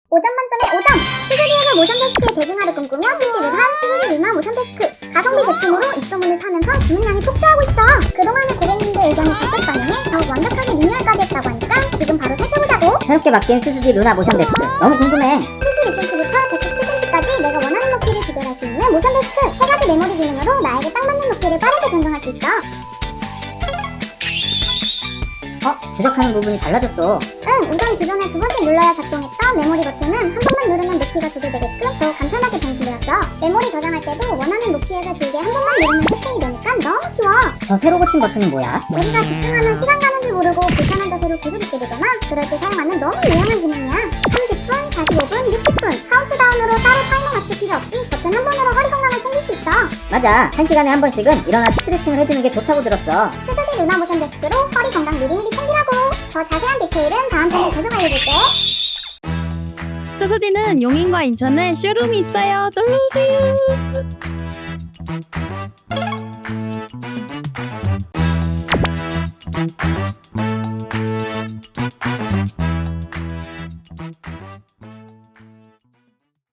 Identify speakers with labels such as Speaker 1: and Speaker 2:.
Speaker 1: 5점 만점에 5점! 스스디에서 모션 데스크의 대중화를 꿈꾸며 출시를 한 스스디 루나 모션 데스크. 가성비 제품으로 입소문을 타면서 주문량이 폭주하고 있어. 그동안의 고객님들 의견을 적극 반영해 더욱 완벽하게 리뉴얼까지 했다고 하니까 지금 바로 살펴보자고.
Speaker 2: 새롭게 바뀐 스스디 루나 모션 데스크 너무 궁금해.
Speaker 1: 72cm부터 117cm까지 내가 원하는 높이를 조절할 수 있는 모션 데스크. 3가지 메모리 기능으로 나에게 딱 맞는 높이를 빠르게 변경할 수 있어.
Speaker 2: 조작하는 부분이 달라졌어.
Speaker 1: 우선 기존에 2번씩 눌러야 작동했던 메모리 버튼은 한 번만 누르면 높이가 조절되게끔 더 간편하게 변경되었어. 메모리 저장할 때도 원하는 높이에서 길게 한 번만 누르면 세팅이 되니까 너무 쉬워.
Speaker 2: 저 새로 고친 버튼은 뭐야?
Speaker 1: 우리가 집중하면 시간 가는 줄 모르고 불편한 자세로 계속 있게 되잖아. 그럴 때 사용하는 너무 유용한 기능이야. 30분, 45분, 60분 카운트다운으로 따로 타이머 맞출 필요 없이 버튼 한 번으로 허리 건강을 챙길 수 있어.
Speaker 2: 맞아. 1시간에 한 번씩은 일어나 스트레칭을 해주는 게 좋다고 들었어.
Speaker 1: 스스디 루나 모션 데스크로 허리 건강 미리미리 챙기라고. 더 자세한 디테일은 다음 편에 계속 알려줄게.
Speaker 3: 스스디는 용인과 인천에 쇼룸이 있어요. 놀러오세요.